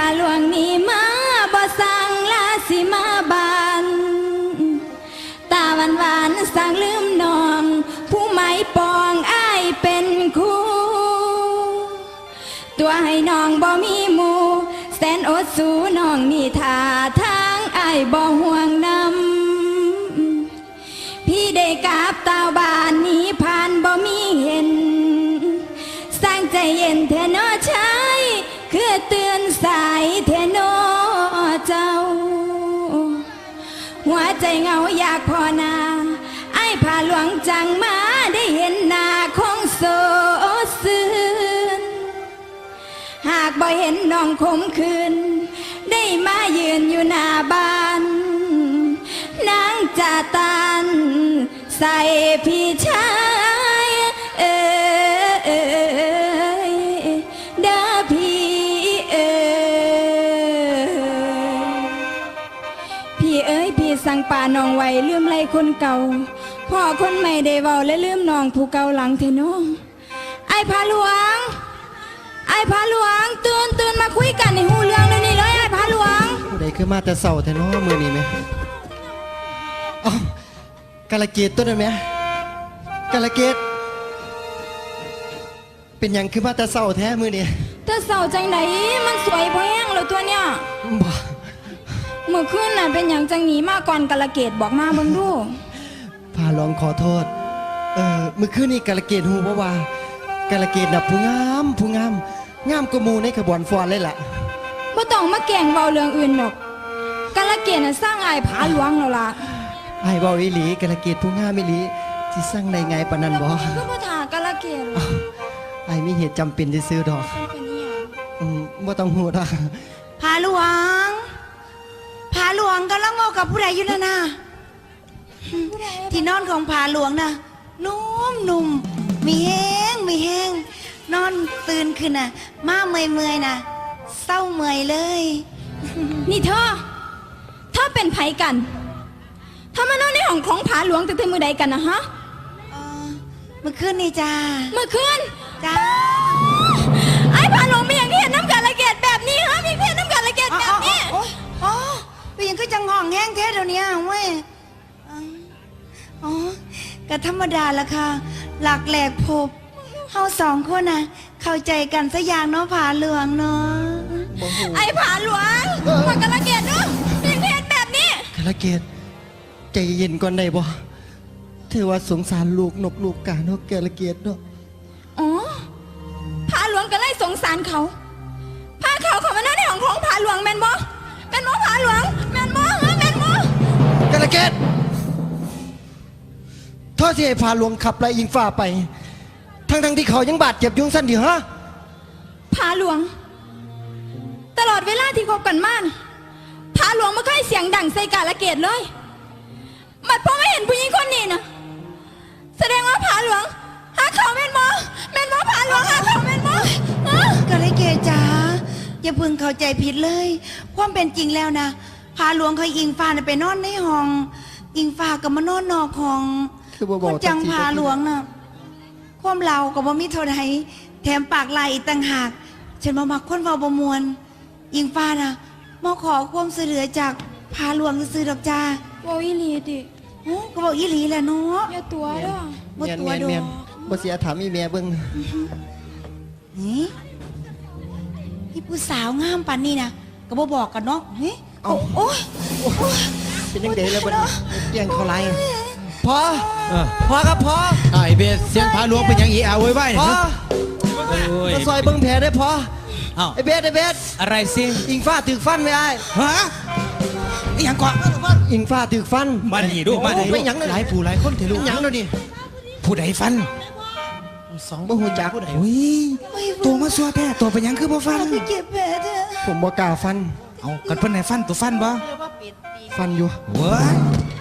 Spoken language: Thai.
หลวงนี่มาบ่สั่งลาสิมาบานตาหวานหวานสั่งลืมน้องผู้ไม้ปองอ้ายเป็นคู่ตัวให้น้องบ่มีหมู่แสนอดสู้น้องนี่ท่าทางอ้ายบ่ห่วงนำพี่ได้กราบตาบานนี้ผ่านบ่มีเห็นสร้างใจเย็นเทนอชายคือเตือนสายเทนอเจ้าหัวใจเงาอยากพอนาไอ้พาหลวงจังมาได้เห็นหน้าของโซซื่นหากบ่เห็นน้องคมคืนได้มายืนอยู่หน้าบ้านนางจะตันใส่พี่ชายเด้อพี่พี่พี่สั่งป่าน้องไว้ลืมไล่คนเก่าพ่อคนใหม่ได้เว้าและลืมน้องผู้เก่าหลังเทน้องไอ้พาหลวงตื่นมาคุยกันในหูเรื่องเลยนี่เลยไอ้พาหลวงได้คือมาแต่เสาแต่น้อมือนี่ไหมอ๋อกาลเกตตัวนั้นไหมกาลเกตเป็นอย่างคือมาแต่เสาแท้มือนี่แต่เสาจังไหนมันสวยพอแห้งแล้วตัวเนี้ยบ่เมื่อคืนน่ะเป็นอย่างจังหนีมาก่อนกาลเกตบอกมาบังดูพาลองขอโทษเมื่อคืนนี้กาลเกตหูว่ากาลเกตน่ะผู้งามงามกว่าหมู่ในขบวนฟอนเลยล่ะบ่ต้องมาแก่งเว้าเรื่องอื่นหรอกกาลเกตน่ะสร้างอ้ายผาหลวงแล้วล่ะอ้ายเว้าอีหลีกาลเกตผู้งามอีหลีสิสร้างได้ไงปานนั้นบ่คือบ่ท่ากาลเกตอ้ายมีเหตุจำเป็นซื้อดอกบ่ต้องฮู้ดอกผาหลวงกำลังเว้ากับผู้ใดอยู่นะที่นอนของผาหลวงน่ะนุ่มมีแห้งนอนตื่นขึ้นน่ะมาเมื่อยน่ะเศร้าเมื่อยเลยนี่เธอเป็นไผกันเธอมานอนในห้องของผาหลวงแต่มือใดกันนะฮะเมื่อคืนนี่จ้าเมื่อคืนจ้าไอ้ผาหลวงมีอย่างที่เห็นน้ำกันละเกดแบบนี้ฮะมีเพี้ยนน้ำกันละเกดแบบนี้เป็นยังก็จังห้องแห้งแท้เดี๋ยวนี้เว้ยก็ธรรมดาละค่ะหลักแหลกพบเฮาสองคนน่ะเข้าใจกันสักอย่างเนาะผาหลวงเนาะไอ้ผาหลวงมากาลเกตเนาะเป็นเพี้ยนแบบนี้กาลเกตใจเย็นก่อนได้บ่เธอว่าสงสารลูกนกลูกกาเนาะกาลเกตเนาะผาหลวงก็เลยสงสารเขาพาเขาเข้ามาในห้องของผาหลวงแม่นบ่ผาหลวงแม่นบ่กาลเกตท่อที่ให้พาหลวงขับไล่ยิงฟ้าไปทั้งที่เขายังบาดเจ็บยุ่งสั้นดีฮะผาหลวงตลอดเวลาที่คบกันมาผาหลวงไม่เคยเสียงดังใส่กาลเกตเลยบัดพอไม่เห็นผู้หญิงคนนี้นะแสดงว่าผาหลวงหาเขาแม่นบ่ผาหลวงหาเขาแม่นบ่กาลเกตจ๋าอย่าเพิ่งเข้าใจผิดเลยความเป็นจริงแล้วนะผาหลวงเคยอิงฟ้าไปนอนในห้องอิงฟ้ากับมานอนนอกห้องคนจังผาหลวงน่ะความเรากับบ่มีเท่าใดแถมปากลายอีกต่างหากฉันมามักคนเว้าบ่มวนอิงฟ้าน่ะมาขอความช่วยเหลือจากผาหลวงซื่อๆดอกจ้าบ่อีหลีดิก็บอกอีหลีแหละเนาะอย่าตัวเด้อบ่ตัวดอกบ่เสียถามอีแม่เบิ่งนี่ผู้สาวงามปานนี้นะก็บ่บอกกันเนาะโอ้ยเป็นยังไงแล้วบัดนี้แย่งเขาไล่พอครับพอไอ้เบสเสียงผาหลวงเป็นยังอีอาไว้ไว้พอมาซอยเบิ้งแผลได้พอไอ้เบสอะไรสิอิงฟ้าถือฟันไม่ได้ฮะยังก่อนอิงฟ้าถือฟันมาดีดูมาดีไม่ยังหลายผู้หลายคนถือลูกยังแล้วนี่ผู้ใดฟันสองบ่หูจักผู้ใดตัวมาซัวแพ้ตัวเป็นยังคือบ่ฟันเจ็บแผลเด้อผมบ่กล้าฟันเอากันเพิ่นไหนฟันตัวฟันบ่ฟันอยู่เว้ย